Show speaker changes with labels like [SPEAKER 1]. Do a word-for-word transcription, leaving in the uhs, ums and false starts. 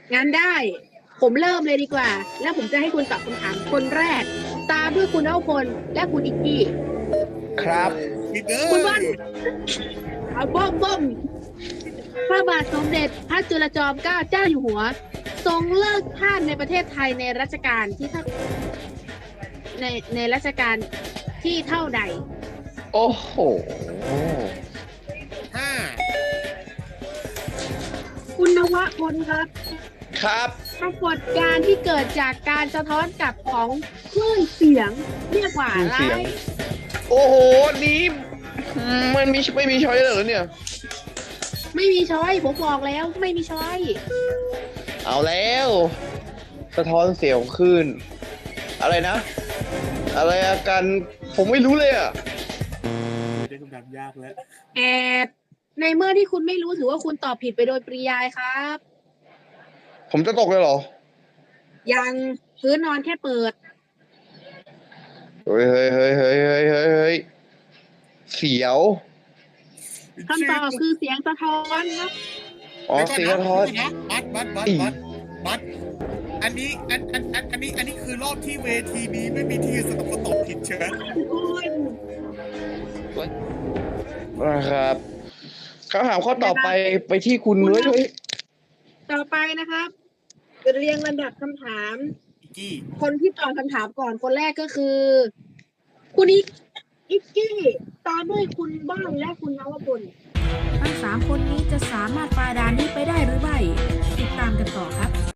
[SPEAKER 1] งั้นได้ ผมเริ่มเลยดีกว่า แล้วผมจะให้คุณตอบคำถามคนแรก ตามด้วยคุณเอ้าพลและคุณอิกกี้
[SPEAKER 2] ครับ
[SPEAKER 3] คิดเด้
[SPEAKER 1] คุณบอ
[SPEAKER 3] อ
[SPEAKER 1] ลเอาบ้อมบ้อมพระบาทสมเด็จพระจุลจอมเกล้าเจ้าอยู่หัว ทรงเลิกทาสในประเทศไทยในรัชกาลที่เท่าในในรัชกาลที่เท่าใด
[SPEAKER 2] โอ้โห
[SPEAKER 3] ห้า
[SPEAKER 1] คุณนวพลครับ
[SPEAKER 2] ครับ
[SPEAKER 1] ปรากฏการณ์ที่เกิดจากการสะท้อนกลับของคลื่นเสียงเรียกว่าอะไร
[SPEAKER 2] คลื่นเสียง โอ้โหนี้มันมีไม่มีช้อยเลยเหรอเนี่ย
[SPEAKER 1] ไม่มีช้อยผมบอกแล้วไม่มีช้อย
[SPEAKER 2] เอาแล้ว สะท้อนเสียงขึ้น อะไรนะ อะไรอาการผมไม่รู้เลยอ่ะ
[SPEAKER 3] ได้คำถามยากแล้ว
[SPEAKER 1] แอดในเมื่อที่คุณไม่รู้ถือว่าคุณตอบผิดไปโดยปริยายครับ
[SPEAKER 2] ผมจะตกเลยเหรอ
[SPEAKER 1] ยังพื้นนอนแค่เปิด
[SPEAKER 2] เฮ้ยเฮ้ยเฮ้ยเฮ้ยเฮ้ยเฮ้ยเฮ้ยเสียว
[SPEAKER 1] คำตอบคือเสียงสะท้อนครับ
[SPEAKER 2] อ๋อเสียงสะท้อน
[SPEAKER 3] นะบัตบัตบัตบัตบัตอันนี้อันอันอันอันนี้อันนี้คือรอบที่เวทีนี้ไม่มีที่สำหรับคนตอบผิดเชิญ
[SPEAKER 2] นะครับคำถามข้อต่อไปไปที่คุณเลยเฮ้ย
[SPEAKER 1] ต่อไปนะครับเรียงลำดับคำถาม
[SPEAKER 3] อิกกี้
[SPEAKER 1] คนที่ตอบคำถามก่อนคนแรกก็คือ คุณอิกอิกกี้ตามด้วยคุณบ้างและคุณนวพล
[SPEAKER 4] ทั้งสามคนนี้จะสามารถฝ่าด่านนี้ไปได้หรือไม่ ติดตามกันต่อครับ